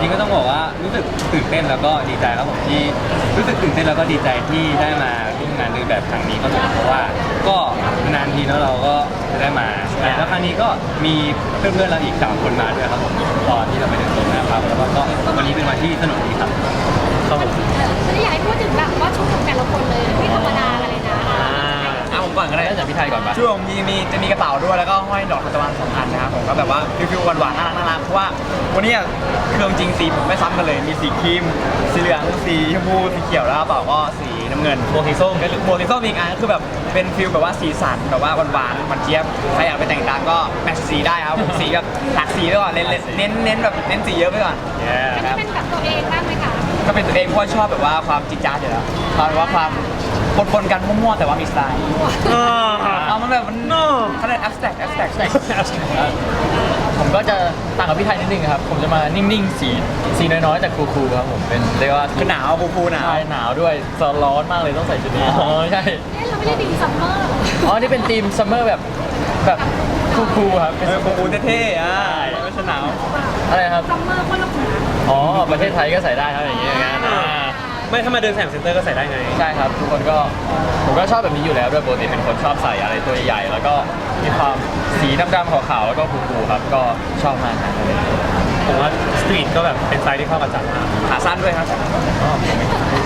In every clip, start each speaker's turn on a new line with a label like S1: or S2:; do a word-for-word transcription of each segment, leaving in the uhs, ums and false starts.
S1: ก็ต้องบอกว่ารู้สึกตื่นเต้นแล้วก็ดีใจครับผมที่รู้สึกตื่นเต้นแล้วก็ดีใจที่ได้มาร่วมงานเดินแบบครั้งนี้ครับผมเพราะว่าก็นานทีแล้วเราก็จะได้มาแล้วครั้งนี้ก็มีเพื่อนๆเราอีกสามคนมาด้วยครับผมตอนที่เราไปเดินตรงนะครับแล้วก็วันนี้เป็นวันที่สนุกดีครับครับผม
S2: ฉันอยากให้พูดถึงแบบว่าชุดของแต่ละคนเลยไม่ธรรมดากันเลยนะ
S3: อ่ะผมก่อนก็ได้
S4: ได้จากพี่ไทยก่อนปะ
S3: ช่วงมีมีจะมีกระเป๋าด้วยแล้วก็ห้อยดอกทานตะวันสองอันนะครับผมก็แบบว่าฟิวๆหวานๆน่ารักน่ารักเพราะว่าวันนี้เครื่องจริงสีผมไม่ซ้ำกันเลยมีสีครีมสีเหลืองสีชมพูสีเขียวแล้วกระเป๋าก็สีน้ำเงิน
S4: โบสีส้ม
S3: โบลิโซมีอีกอันก็คือแบบเป็นฟิลแบบว่าสีสันแบบว่าหวานๆมันเจี๊ยบใครอยากไปแต่งตามก็แมทช์สีได้ครับผมสีแบบหลากสีไปก่อนเน้นเน้นเน้นแบบเน้นสีเยอะไปก่อน
S2: อันนี้เป็นแบบตัวเองบ้างไหมคะ
S3: ก็เป็นตัวเองเพราะชอบแบบว่าความจิตจ้าดอยู่แล้วความแบบว่าความปนๆกันมั่วๆแต่ว่ามีสไตล์เอามันแบบมันเขาเรียก abstract abstract
S4: ผมก็จะต่างกับพี่ไทยนิดนึงครับผมจะมานิ่งๆสีสีน้อยๆแต่คูลๆครับผมเป็นเรียกว่า
S3: คือหนาวฟูฟูหนาว
S4: ใช่หนาวด้วยร้อนมากเลยต้องใส่ชุดนี้อ๋อใช่
S2: เอ๊ะเราไม่ได้ดีซัมเมอร์
S4: อ๋อนี่เป็นธีมซัมเมอร์แบบแบบคูลๆครับเป็น
S3: เออฟูฟูเท่ๆอ่ะไม่ใช่หนาว
S4: อะไรครับ
S2: ซัมเมอร์คนละคน
S4: อ๋อประเทศไทยก็ใส่ได้ครับอย่างเงี้ยอย่างนั้นอ่า
S1: ไม่ถ้ามาเดินแสงเซ็นเตอร์ก็ใส่ได้ไง
S4: ใช่ครับทุกคนก็ผมก็ชอบแบบนี้อยู่แล้วด้วยปกติเป็นคนชอบใส่อะไรตัวใหญ่ๆแล้วก็มีความสีดำๆขาวๆแล้วก็คูลๆครับก็ชอบมากครับ
S1: ผมว่าสตรีทก็แบบเป็นสไตล์ที่เข้ากับจัดมาก
S3: ขาสั้นด้วยครับ
S4: อ๋อผมไม่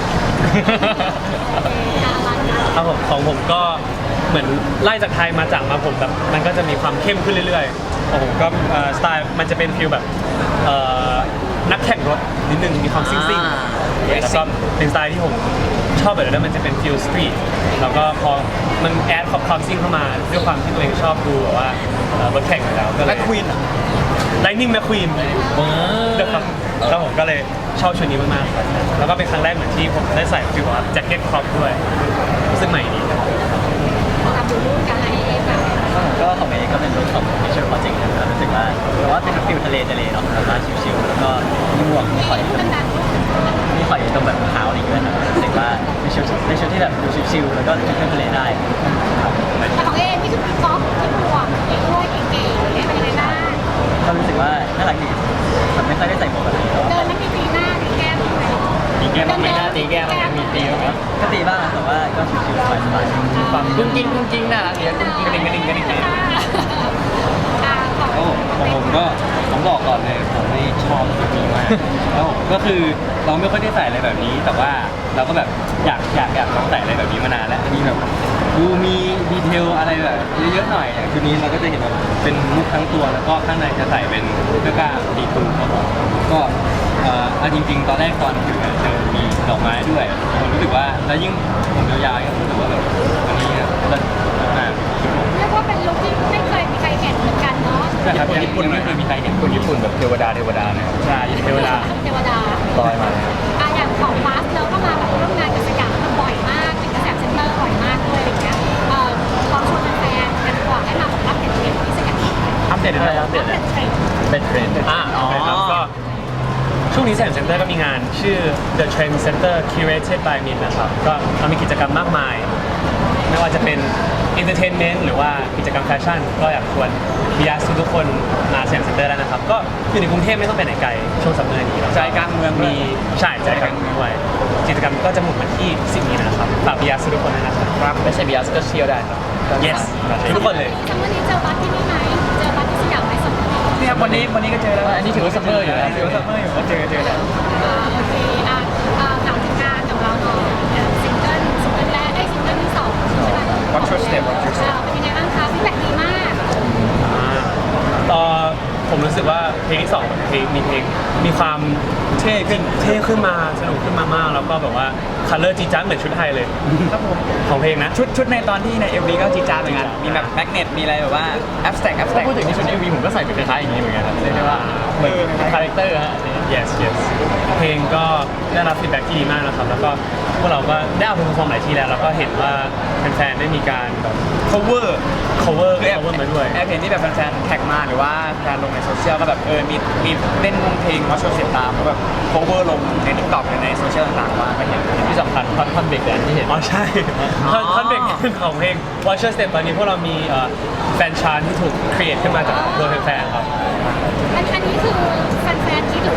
S1: ครับผมของผมก็เหมือนไล่จากไทยมาจากมาผมแบบมันก็จะมีความเข้มขึ้นเรื่อยๆของผมก็เอ่อสไตล์มันจะเป็นฟิลแบบเอ่อนักแข่งรถนิดนึงมีความซิ่งๆแล้วก็เป็นสไตล์ที่ผมชอบแบบนั้นมันจะเป็นฟิลสตรีทแล้วก็พอมันแอดความซิ่งเข้ามาด้วยความที่ตัวเองชอบดูแบบว่าเอ่อรถแข่งอยู่แล้วก็เล
S3: แม็
S1: ย
S3: กควีน
S1: ไลนิ่งแมคควีนเดี๋ยวครับแล้วผมก็เลยชอบชุดนี้มากๆแล้วก็เป็นครั้งแรกเหมือนที่ผมได้ใส่ฟิลว่าแจ็คเก็ตครอปด้วยซึ่งใหม่ดีครับ
S2: ตามดูรูปกันอะไรเองแบบ
S5: ก็ของเองก็เป็นรถของ Mission Project นะครับรู้สึกว่าแต่ว่าเป็นฟิลทะเลทะเลเนาะแล้วก็ชิลๆแล้วก็มีหมวกมีหอย
S2: พูดดัง
S5: มีหอยตรงแบบเท้าอะไรอย่างเงี้ยครับรู้สึกว่าเป็นชุดเป็นชุดที่แบบดูชิลๆแล้วก็เที่ยวทะเลได้ครับ
S2: ๆแต่ของเองนี่คือก๊อฟที่หมวกเองด้วยเก๋ๆเป็นยังไงบ้าง
S5: ก็รู้สึกว่าน่ารักดีแบบไม่ค่อยได้ใส่หมวกแบบนี้เนาะ
S2: เดินไม่มีตีหน้าตีแก้มใช่ไหม
S5: มีแก้มบ้างไหม
S4: หน้าตีแก้มอะไรมีตีบ้างไหม
S5: ก็ตีบ้างแต่ว่าก็ชิลๆสบายๆ
S4: ความกุ้งกิ้งกุ้งกิ้งน่ารักดีกุ้งกิ้งกระดิ่งกระดิ่งกระดิ่งกระดิ่ง
S2: อ่าของ
S1: ครับผมของผมก็ผมบอกก่อนเลยผมไม่ชอบชุดนี้มากแล้วผมก็คือเราไม่ค่อยได้ใส่อะไรแบบนี้ แต่ว่าเราก็แบบอยากอยากอยากลองใส่อะไรแบบนี้มานานแล้วอันนี้แบบดูมีดีเทลอะไรแบบเยอะๆหน่อยอย่างชุดนี้เราก็จะเห็นแบบเป็นมุกทั้งตัวแล้วก็ข้างในจะใส่เป็นเสื้อกล้ามดีทูครับผมก็เอ่อเอาจริงๆ ตอนแรกตอนถือเนี่ยเจอมีดอกไม้ด้วยผมรู้สึกว่าแล้วยิ่งผมยาวๆก็รู้สึกว่าแบบอันนี้เนี่ยเลิศมาก
S2: เรียกว่าเป็นลุคที่ไม่เคยมีใครเห็นเหมือนกันเนาะ
S1: นะครับญี่ปุ่นไม่เคยมีใครเห็น
S4: คนญี่ปุ่นแบบเทวดาเทวดาเนี่ย
S1: ใช่เทวดา
S2: เทวดา
S4: ลอยมา
S2: อ่ะอย่างของฟาสเราก็มาแบบร่วมงานกับสยามมาบ่อยมากเป็นกระแสเซ็นเตอร์บ่อยมากด้วยอะไรเงี้ยเอ่อลองชวนแฟนๆกันก่อนให้มาแบบรับเห็นเทรนด์ที่สยาม
S3: อัปเดต
S4: อะไร
S3: เลย
S4: อัปเด
S2: รั
S4: ต
S2: บ
S4: เล
S2: เห็
S4: ย
S2: นเทรนด์
S4: เป็นเทรนด์
S3: อ่าอ๋อ
S1: ครับก็ช่วงนี้แสงเซ็นเตอร์ก็มีงานชื่อ The Trend Center Curated by Min นะครับก็เรามีกิจกรรมมากมาย ไม่ว่าจะเป็น entertainment หรือว่ากิจกรรมแฟชั่น ก็อยากชวนบิยาสทุกคนมาแสงเซ็นเตอร์ได้นะครับ ก็อยู่ในกรุงเทพไม่ต้องไปไหนไกลช่วงสัปดาห์นี้
S3: ใจกลางเมือง
S1: มีใช่ใจกลางเมืองด้วยกิจกรรมก็จะหมุนมาที่สิบนี้นะครับฝากบิยาสทุกคนด้วยนะครับ
S4: ครับไม่ใช่บีอาร์สก็เที่ยวได้ครับ
S1: yes ทุกคนเลย
S2: จังวันนี้เจอบัสที่นี่ไหมเจอบัสที่สยามไหมสองคน
S3: นี่ครับวันนี้วันนี้ก็เจอแล้ว
S4: อันนี้ถือว่าซัมเมอร์อยู่นะ
S3: ถือว่าซัมเมอร์อยู่ก็เจอเจอแล้ว
S2: อ่าโอเคอ่ะอ่าถามถึงงานของเราเนาะซิงเกิลซิงเกิลแรกไอ้ซิงเกิลที่สองใช่ไหม
S3: Watch your step Watch your step
S2: อ่าเป็นยังไงบ้างคะฟีดแบ็กดีมาก
S1: ต่อผมรู้สึกว่าเพลงที่สองเพลงมีเพลงมีความเท่ขึ้นเท่ขึ้นมาสนุกขึ้นมามากแล้วก็แบบว่าคัลเลอร์จีจ้าเหมือนชุดไทยเลย
S3: ครับผม
S1: ของเพลงนะ
S3: ชุดชุดในตอนที่ใน เอ็ม วี ก็จีดจ้าดเหมือนกันมีแบบแมกเนตมีอะไรแบบว่า abstract
S4: ถ้า
S3: abstract
S4: พูดถึงในชุดเอ็มวีผมก็ใส่เป็นคล้ายๆอย่างนี้เหมือนกันครับเรียกได้ว่าเหมือนเป็นคาแรคเตอร์ฮะอันนี้
S1: yes yes เพลงก็ได้รับฟีดแบ็กที่ดีมากนะครับแล้วก็พวกเราก็ได้เอาไปเพอร์ฟอร์มหลายที่แล้วแล้วก็เห็นว่าแฟนๆได้มีการแบบ
S3: cover
S1: cover
S3: คือแอบ
S1: cover มาด้วย
S3: แอบเห็นที่แบบแฟนๆแท็กมาหรือว่าแฟนลงในโซเชียลก็แบบเออมีมีเล่นวงเพลงมาโชว์เสียงตามแล้วแบบ cover ลงใน TikTok หรือในโซเชียลต่างๆว่าก็เห็น
S4: ที่สำคัญท่อนท่อนเบรกแดนที่เห็น
S1: อ๋อใช่
S3: อ๋อ
S1: ท่อนท่อนเบรกของเพลง Watcher Step ตอนนี้พวกเรามีเอ่อแฟนชาร์ตที่ถูกครีเอทขึ้นมาจากตัวแฟนๆครับ
S2: อันอันนี้คือแฟนๆคิดหรือว่า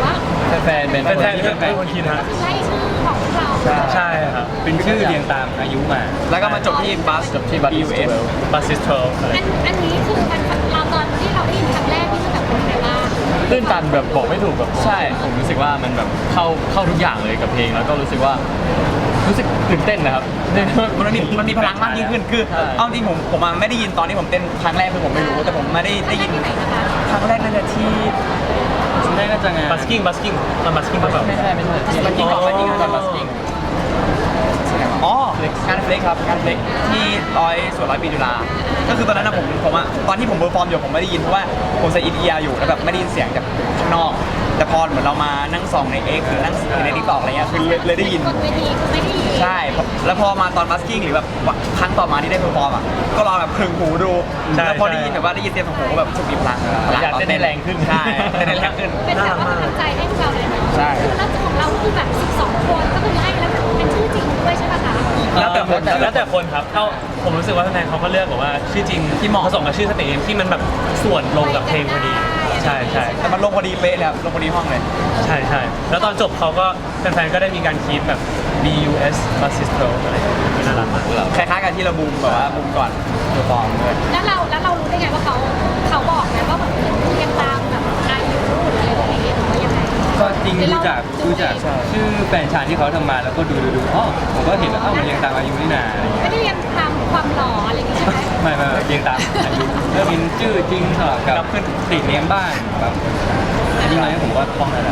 S4: แฟนๆเป็น
S6: แฟนๆ
S4: ที่
S6: เป็นคนคิดฮะ
S2: ก็คือไล่ชื่อของพวกเรา
S6: ใช่ครับ
S1: เป็นชื่อเรียงตามอายุมา
S3: แล้วก็มาจบที่บัส
S4: จบที่บัต
S3: บี
S4: ร
S3: ยู เอส
S6: บัสซิสทเวลอะไร
S2: อันอันนี้คือมันเราตอนที่เราได้ยินครั้งแรกนี่คือแบบเป็นยังไงบ้าง
S4: ตื้นตันแบบบอกไม่ถูกแบบใช่ผมรู้สึกว่ามันแบบเข้าเข้าทุกอย่างเลยกับเพลงแล้วก็รู้สึกว่ารู้สึกตื่นเต้นนะครับ
S3: มันมีมันมีพลังมากยิ่งขึ้นคือ
S4: ใช่
S3: เอาจริงผมผมอะไม่ได้ยินตอนที่ผมเต้นครั้งแรกคือผมไม่รู้แต่ผมไม่ได้ได้ยิน
S2: ที่ไหนนะคะ
S3: ครั้งแรกน่าจะที่
S1: ชุดแรกก็จะงาน
S6: บัสกิ้งบัสกิ้งมันบัสกิ้งมาแบบ
S4: ไม่ใช่ไม่ใช่ที่บัสกิ้งก่อนบัสกิ้งก่อนบัสกิ้ง
S3: อ๋องานเฟล็กครับงานเฟล็กที่ร้อยส่วนร้อยปีจุฬาก็คือตอนนั้นนะผมผมอะตอนที่ผมเบอร์ฟอร์มอยู่ผมไม่ได้ยินเพราะว่าผมใส่อีเอียอยู่แล้วแบบไม่ได้ยินเสียงจากข้างนอก แต่พอเหมือนเรามานั่งส่องใน X หรือนั่งในทิกตอกอะไรเงี้ยคือเลยเลยได้ยิน
S2: คนเวทีคือไม่ได้ยิน
S3: ใช่ แล้วพอมาตอนบัสกิ้งหรือแบบครั้งต่อมาที่ได้เพอร์ฟอร์มอ่ะ ก็ลองแบบคลึงหูดู
S6: ใช่
S3: แล้วพอได้
S6: ใช่
S3: ยินแบบว่าได้ยินเสียงของหูก็แบบรู้สึกมีพลังพลัง
S4: อยากเต้นได้แรงขึ้น
S3: ใช่เต้นได้แรงขึ้น
S2: เป็นแบบว่ากำลังใจให้พวกเราเลยเนาะ
S3: ใช่
S2: คือแล้วของเราก็คือแบบสิบสองคนก็คือไล่แล้วเป็นชื่อจริงด้วยใช่ไหมคะ
S6: แล้วแต่คนแล้วแต่คนครับเท่าผมรู้สึกว่าแฟนๆเขาก็เลือกแบบว่าชื่อจริงที่เหมาะผสมกับชื่อสเตจที่มันแบบส่วนลงกับเพลงพอดี ใช่ใช่
S3: แต่มันลงพอดีเป๊ะเลยครับลงพอดีห้องเลย
S6: ใช่ใช่แล้วตอนจบเขาก็แฟนๆก็ได้มีการคีปแบบ B U S Bassist Pro อะไรอย่างเงี้ยน่ารักมาก
S3: คล้ายๆกันที่เราบูมแบบว่าบูมก่อนเพอร์ฟอร์มด้วย
S2: แล้วเราแล้วเรารู้ได้ไงว่าเขาเขาบอกไงว่าแบบเรียงตามแบบอายุหรืออะไรอย่างเงี้ยหรือว่ายังไง
S1: ก็จริงดูจากดูจากชื่อแฟนชายที่เขาทำมาแล้วก็ดูดูดูอ๋อผมก็เห็นแล้วเอ้ามันเรียงตามอายุนี่นาอะไรเงี้ย
S2: ไม่ได้เรียงตามความหล่ออะไรอย่างเงี้ยใช่ไหม
S1: ไม่ไม่ไม่เรียงตามอายุแล้วมีชื่อจริงสลับกับขึ้นติดเลี้ยงบ้านแบบจริงๆแล้วผมก็ท่องได้แล้ว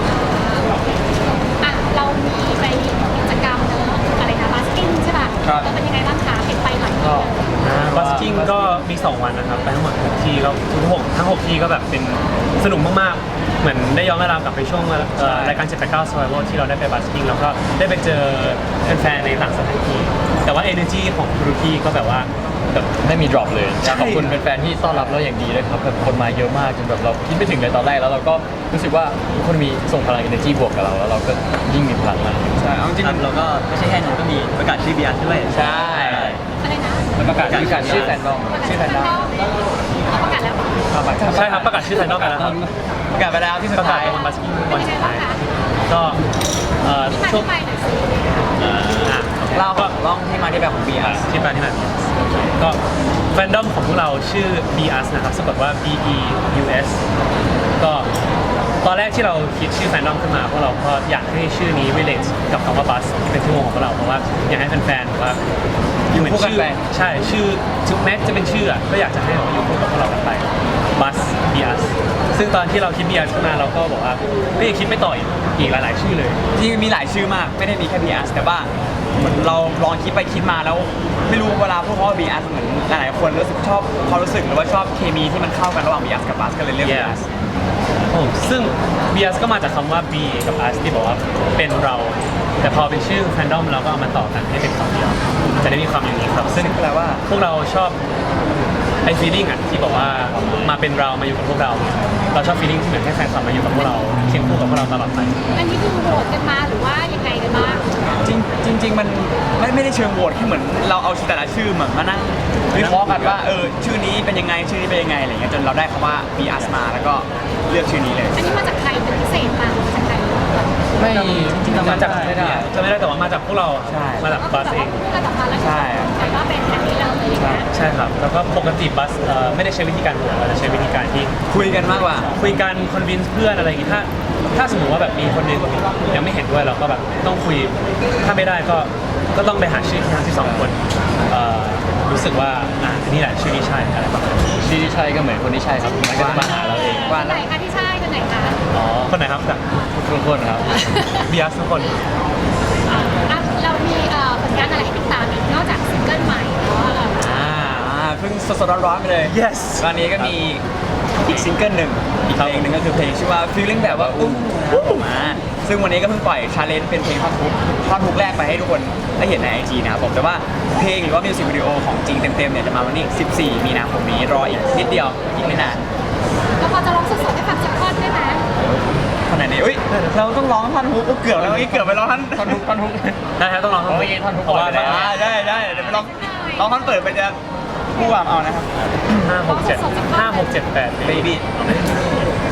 S2: อ่ะเรามีไปกิจกรรมเนอะอะไรนะบัสกิ้งใช่ป่ะ
S3: ครับ
S2: เราเป็นยังไงบ้างคะเห็นไปหลายที่เลย
S6: บัสกิ้งก็มี สอง วันนะครับไปทั้งหมดหกที่ก็ทุกหกทั้งหกที่ก็แบบเป็นสนุกมากๆ เหมือนได้ย้อนเวลากลับไปช่วงเอ่อรายการเจ็ดแปดเก้า Survival ที่เราได้ไปบัสกิ้งแล้วก็ได้ไปเจอแฟนๆในต่างสถานที่แต่ว่า energy ของทุกที่ก็แบบว่าแบบ
S4: ไม่มี drop เลยอยากขอบคุณแฟนๆที่ต้อนรับเราอย่างดีเลยครับแบบคนมาเยอะมากจนแบบเราคิดไม่ถึงเลยตอนแรกแล้วเราก็รู้สึกว่าทุกคนมีส่งพลัง energy บวกกับเราแล้วเราก็ยิ่งมีพลังมาก
S3: ใช่เอาจริง
S5: ครับเราก็ไม่ใช่แค่นั้นก็มีประกาศชื่อบีอาร์ด้วย
S3: ใช่
S2: อะไรนะ
S1: แล้วประกาศชื่อกัน
S4: ชื่อแฟนดอม
S2: ชื่อแฟนดอมเอาประกาศแล้ว
S6: ใช่ครับประกาศชื่อไทยนอกกันแล้วครับ
S3: ประกาศไปแล้วที่สุ
S6: ป
S3: ด
S6: ระกาศ
S3: ท้าย
S6: ตอนบัสกิ้ง
S2: เป็
S6: วัน น
S2: ยังไง
S6: สุด
S2: บ้า
S6: ท้าง ย
S2: คะ
S6: ก็เอ่อ
S2: ที่มา
S6: ช่วง
S2: ที่ไปหน่อยสิ
S6: อ่ะ
S3: เล่าของล่องที่มาที่แบบของบีอาร์
S6: ที่มาที่มาก็แฟนดอมของพวกเราชื่อ B U S นะครับสะกดว่า B E U S ก็ตอนแรกที่เราคิดชื่อแฟนดอมขึ้นมาพวกเราก็อยากให้ชื่อนี้ relate กับคำว่าบัสที่เป็นชื่อวงของพวกเราเพราะว่าอยากให้แฟนๆแบบว่า
S3: อยู่คู่กัน
S6: ชื่อ
S3: ไป
S6: ใช่ชื่อถึงแม้จะเป็นชื่ออะก็อยากจะให้มันอยู่คู่กับพวกเรากันไปบัส B U S ซึ่งตอนที่เราคิด B U S ขึ้นมาเราก็บอกว่าก็ยังคิดไม่ต่ออีกอีกหลายๆชื่อเลย
S3: จริงๆมีหลายชื่อมากไม่ได้มีแค่บีอาร์แต่ว่าเหมือนเราลองคิดไปคิดมาแล้ว ไม่รู้เวลาพวกเขาบีอาร์เหมือนหลายๆคนรู้สึกชอบความรู้สึกหรือว่าชอบเคมีที่มันเข้ากันระหว่างบีอาร์กับบัสก็เลยเรียกบีอาร์
S6: โอ้ซึ่ง B U S ก็มาจากคำว่า B กับ U S ที่บอกว่าเป็นเรา แต่พอเป็นชื่อแฟนดอมเราก็เอามาต่อกันให้เป็นคำเดียวจะได้มีความอย่างนี้ครับซึ่ง
S3: แปลว่า
S6: พวกเราชอบไอ้ feeling อ่ะที่บอกว่ามาเป็นเรามาอยู่กับพวกเรา เราชอบ feeling ที่เหมือนให้แฟนคลับมาอยู่กับพวกเราเคียงคู่กับพวกเราตลอดไป
S2: อันนี้คือโหวตกันมาหรือว่ายังไงกันบ้าง
S3: จริงจริงๆมันไม่ไม่ได้เชิงโหวตแค่เหมือนเราเอาแต่ละชื่อเหมือนมานั่งวิเคราะห์กันว่าเออชื่อนี้เป็นยังไงชื่อนี้เป็นยังไงอะไรเงี้ยจนเราได้คำว่า บี อาร์ มาแล้วก็เลือกชื่อนี้เลย
S2: อันนี้มาจากใครเป็นพิเศษมาจากใคร
S4: ไม่
S1: จริงๆ
S6: มาจาก
S1: จำไม่ได้
S6: จะไม่ได้แต่ว่ามาจากพวกเรา
S3: ใช่
S6: มาจากบัสเอง
S2: ก็แบบมาแล้ว
S3: ใช่
S2: แต่ว่าเป็นอันนี้เลยนะ
S6: ใช่ครับแล้วก็ปกติบัสเอ่อไม่ได้ใช้วิธีการโหวตเราจะใช้วิธีการที่
S3: คุยกันมากกว่า
S6: คุยกันคอนวินส์เพื่อนอะไรอย่างงี้ถ้าถ้าสมมติว่าแบบมีคนหนึงยังไม่เห็นด้วยเราก็แบบต้องคุยถ้าไม่ได้ก็ก็ต้องไปหาชื่อทั้งที่สองคนเอ่อรู้สึกว่าอ่ะอันนี่แหละชื่อที่ใช่อะไรประมาณนี้
S4: ชื่อที่ใช่ก็เหมือนคนที่ใช่ครับมันก็จะมาหาเราเอง
S3: ว่า
S2: คนไหนคะที่ใช่คนไหนคะ
S4: อ๋อ
S6: คนไหนครับจาก
S4: ทุกคนครับ
S6: บีอาร์ทุกคน
S2: อ่ะเรามีเอ่อผลงานอะไรให้ติดตามอีกนอกจากซิงเกิลใหม่เนาะ
S3: อ่าเพิ่งสดๆร้อนๆไปเลย
S6: yes
S3: ตอนนี้ก็มีอีกซิงเกิลหนึ่งอีกเพลงหนึ่งก็คือเพลงชื่อว่า feeling แบบว่าอุ้มมาซึ่งวันนี้ก็เพิ่งปล่อยชาเลนจ์เป็นเพลงท่อนฮุกท่อนฮุกแรกไปให้ทุกคนได้เห็นในไอจีนะครับผมแต่ว่าเพลงหรือว่ามิวสิกวิดีโอของจริงเต็มๆเนี่ยจะมาวันนี้สิบสี่มีนาคมนี้รออีกนิดเดียวอีกไม่นาน
S2: เราพอจะร้องสดๆให้ฟังสักท่อนได้ไหม
S3: ขนาดนี้อุ้ยเราต้องร้องท่อนฮุกเกือบแล้วเมื่อกี้เกือบไปร้องท่อน
S4: ท่อนทุกท่อนทุก
S6: ได้ครับต้องลอง
S4: โอ้ยท่อนทุก
S6: เพราะว่า
S4: ก่อนเลย
S3: อ่าได้ได้เดี๋ยวไปร้องร้องท่อนเปิดไปจะผู้วามเอานะครับ
S6: ห้าหกเจ็ดห้าหกเจ็ดแปด
S3: baby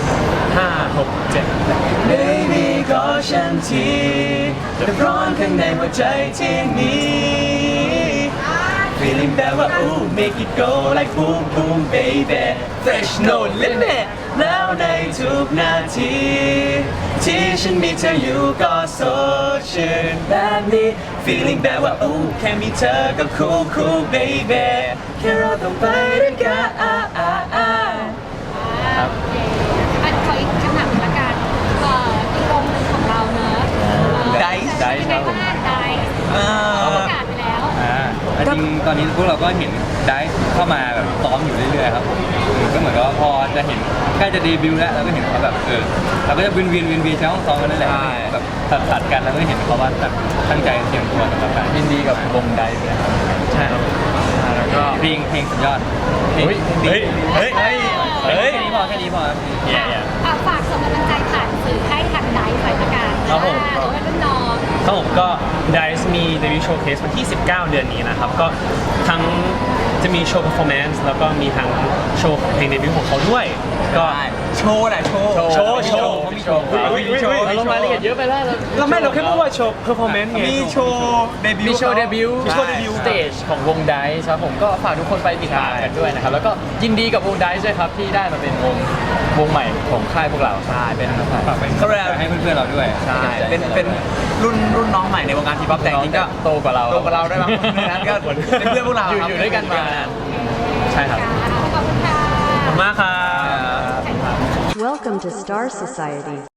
S6: ห้าหกเจ็ด
S3: Baby ก็ฉันทีแต่ร้อนข้างในหัวใจที่มี Feeling แบบว่า ooh make it go like boom boom baby Fresh no limit แล้วในทุกนาที ที่ฉันมีเธออยู่ก็สดชื่นแบบนี้ Feeling แบบว่า ooh แค่มีเธอก็ cool cool baby แค่เราต้องไปด้วยกัน
S2: ครับอันขออีกคำถามหนึ่งละกันเอ่ออีกวงหนึ่งของเราเนอะ
S3: Dice
S2: ไดซ์ครับผมไดซ์เขาประกาศไปแล้ว
S1: อ่าจริงๆตอนนี้พวกเราก็เห็นได้เข้ามาแบบซ้อมอยู่เรื่อยๆครับผมก็เหมือนกับว่าพอจะเห็นใกล้จะเดบิวต์แล้วเราก็เห็นเขาแบบเออเราก็จะวินวินวินวินใช้ห้องซ้อมกันนั่นแหละแบบตัดตัดกันแล้วก็เห็นเขาว่าแบบตั้งใจเตรียมตัวสำหรับการ
S4: ยินดีกับวงไดฟ์นะครับ
S6: ใช่ครับ
S4: แล้วก็
S1: เพลงเพลงสุดยอด
S4: เฮ้ย
S6: เฮ้ยเฮ้ย
S1: เฮ้ยแค่นี้พอแค่นี้พอ
S6: แย่
S2: อ่ะฝากส่งกำลังใจผ่านสื่อให้ทางไดซ์หน่อยละกัน
S6: ครับผม
S2: อ่าเพราะว่ารุ่นน้อง
S6: ครับผมก็ Dice มีเดบิวต์โชว์เคสวันที่ สิบเก้า เดือนนี้นะครับ ก็ทั้งจะมีโชว์ performance แล้วก็มีทั้งโชว์ของเพลงเดบิวต์ของเขาด้วย ก็
S3: โชว์แหละโชว์
S6: โชว์โชว์
S1: เขามีโชว์
S6: อุ๊ยอุ๊ยอุ๊ย
S4: เราลงรายละเอียดเยอะไปแล้ว
S6: เราไม่เราแค่พูดว่าโชว์ performance ไง
S3: มีโชว์เดบิวต์
S4: มีโชว์เดบิวต์
S6: มีโชว์เดบิวต์
S4: สเตจของวงไดซ์ครับผมก็ฝากทุกคนไปติดตามกันด้วยนะครับ แล้วก็ยินดีกับวงไดซ์ด้วยครับที่ได้มาเป็นวงวงใหม่ของค่ายพวกเราใช่เป็น
S1: ฝากไปให้เพื่อนๆเราด้วย
S3: ใช่เป็นเป็นรุ่นรุ่นน้องใหม่ในวงการทีป๊อปแต่จริงๆก็
S4: โตกว่าเรา
S3: โตกว่าเราด้วยบางคนนั้นก็เป็นเพื่อนพวกเรา
S4: อยู่
S3: ครับ
S4: อยู่ด้วยกันมานาน
S6: ใช่ครับ
S2: ขอบคุณค่ะ
S6: ขอบคุณมากครับ
S2: ถ่ายรูป
S7: Welcome to Star Society.